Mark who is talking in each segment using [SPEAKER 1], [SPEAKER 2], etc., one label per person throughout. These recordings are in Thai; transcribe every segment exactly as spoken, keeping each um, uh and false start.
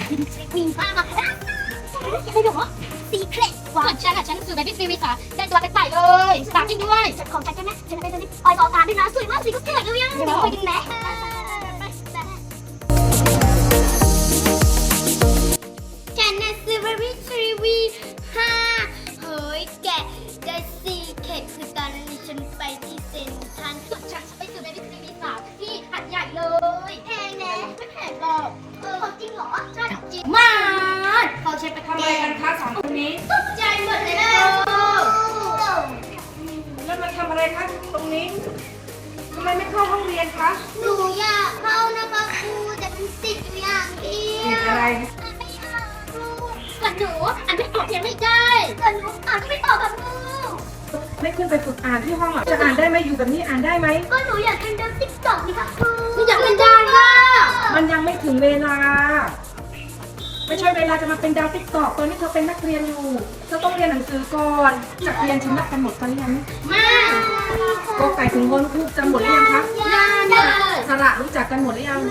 [SPEAKER 1] มีมากมากอะไรหรอซีเครตว่าฉันอ่ะฉันคือแบบพี่ฟิวิสาได้ตัวเป็นไต่เลยสตาร์ทจริงด้วยของฉันใช่ไหมฉันเป็นตัวนี้ออยต่อการด้วยนะสวยมากสีก็เกิดเลยอ่ะเดี๋ยวไปกันไหมฉันน่ะซื้อ Very Tree วี ห้าเฮ้ยแกได้ซีเครตคือตอนนั้นฉันไปที่เซ็นทรัลส่วนฉันไปซื้อ Very Tree วี สามที่หัดใหญ่เลยแพงนะไม่แพงหรอกเออจริงเหรอใช่จริงมากเขาใช้ไปทำอะไรกันคะสองคนนี้ตกใจหมดเลยนะ
[SPEAKER 2] แล้วมาทำอะไรคะตรงนี้ทำไมไม่เข้าห้องเรียนคะ
[SPEAKER 1] หนูอยากเข้านะคะครูแต่เป็นติดอยู่อย่างเดียว
[SPEAKER 2] ติดอะไร
[SPEAKER 1] ไม่เอาครูส่วนหนูอ่านไม่ออกยังไม่ได้ส่วนหนูอ่านไม่ออกกับครู
[SPEAKER 2] ไม่ขึ้นไปฝึกอ่านที่ห้องหรอจะอ่านได้ไหมอยู่แบบนี้อ่านได้ไหม
[SPEAKER 1] ก็หนูอยากเล่นดนตรีต่อนี่ค่ะครูหนูอยากเล่นได้ค่ะ
[SPEAKER 2] มันยังไม่ถึงเวลาไม่ใช่เวลาจะมาเป็นดาวติ๊กตอกตอนนี้เธอเป็นนักเรียนอยู่เธอต้องเรียนหนังสือก่อนจากเรียนชำระกันหมดกันหรือยัง
[SPEAKER 1] ไม่
[SPEAKER 2] ก็ไก่ถึงงนคูจำหมดหรือยังคะ
[SPEAKER 1] ยัง
[SPEAKER 2] สระรู้จักกันหมดหรือยัง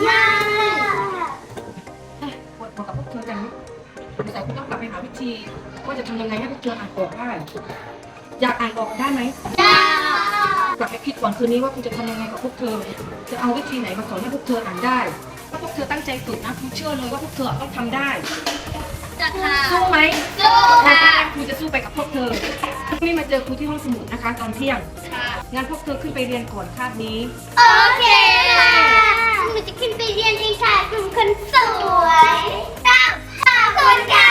[SPEAKER 1] ยัง
[SPEAKER 2] ปวดหัวกับพวกเธอจังนี่แต่คุณต้องกลับไปหาวิธีว่าจะทำยังไงให้พวกเธออ่านออกได้อยากอ่านออกได้ไหมกลับไปคิดก่อนคืนนี้ว่าคุณจะทำยังไงกับพวกเธอจะเอาวิธีไหนมาสอนให้พวกเธออ่านได้ถ้าพวกเธอตั้งใจฝึกนะคุณเชื่อเลยว่าพวกเธอต้องทำได้
[SPEAKER 1] จะค่ะ
[SPEAKER 2] สู้ไหม
[SPEAKER 1] สู้ค่ะ
[SPEAKER 2] ครูจะสู้ไปกับพวกเธอนี่มาเจอครูที่ห้องสมุดนะคะตอนเที่ยงงั้นพวกเธอขึ้นไปเรียนก่อนคาบนี้
[SPEAKER 1] โอเคค่ะหนูจะขึ้นไปเรียนเองค่ะกลุ่มคนสวยตั้งขอบคุณค่ะ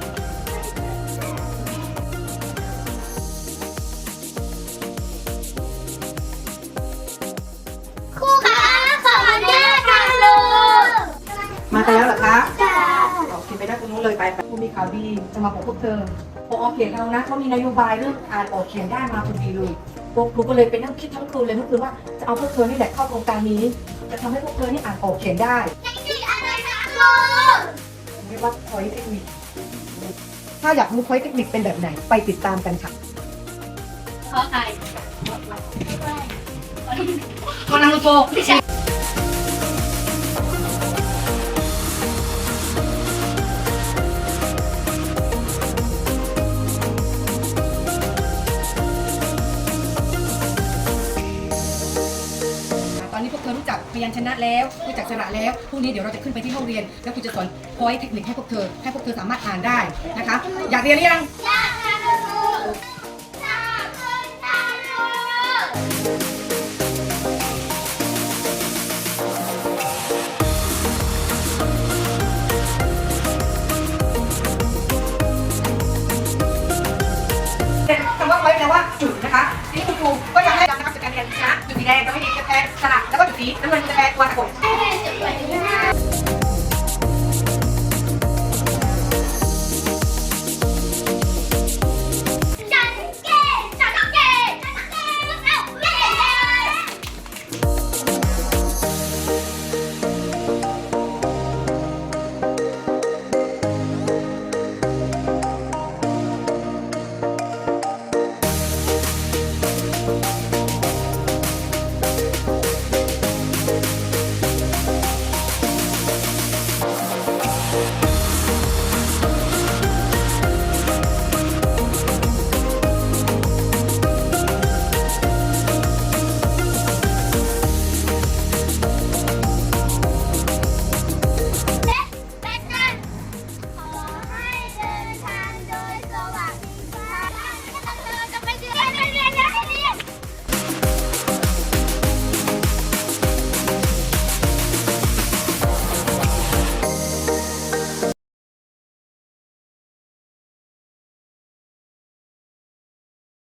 [SPEAKER 1] ครูคะขออนุญาตค่ะครู
[SPEAKER 2] มาแล้วเหรอคะ
[SPEAKER 1] ค่ะ
[SPEAKER 2] โอเคไปได้ตรงนู้นเลยไปครูมีข่าวดีจะมาบอกพวกเธอพอเขียนเรานะเขามีนโยบายเรื่องอ่านออกเขียนได้มาพอดีเลยพวกครูก็เลยไปนั่งคิดทั้งคืนเลยทั้งคืนว่าจะเอาพวกเธอนี่แหละเข้าโครงการนี้จะทำให้พวกเธอนี่อ่านออกเขียนได้
[SPEAKER 1] เทคนิคอะไรคะครู
[SPEAKER 2] เรียกว่าพอยเทคนิคถ้าอยากรู้พอยเทคนิคเป็นแบบไหนไปติดตามกันค่ะ
[SPEAKER 1] ขอใคร
[SPEAKER 2] คนนังโตตอนนี้พวกเธอรู้จักพยัญชนะแล้วรู้จักสระแล้วพรุ่งนี้เดี๋ยวเราจะขึ้นไปที่ห้องเรียนแล้วครูจะสอนพอยเทคนิคให้พวกเธอให้พวกเธอสามารถอ่านได้นะคะอยากเรียนหรือยัง
[SPEAKER 1] อยากค่ะครูขอบคุณค่ะค
[SPEAKER 2] รูคำว่าพอยแปลว่าจุดนะคะทีนี้คุณครูก็อยากให้จำนะครับจากการเรียนนะจุดสีแดงจะไม่มีจะแทนสระแล้วก็จุดสีน้ำเงินจะแทนตัวตะกด
[SPEAKER 1] รู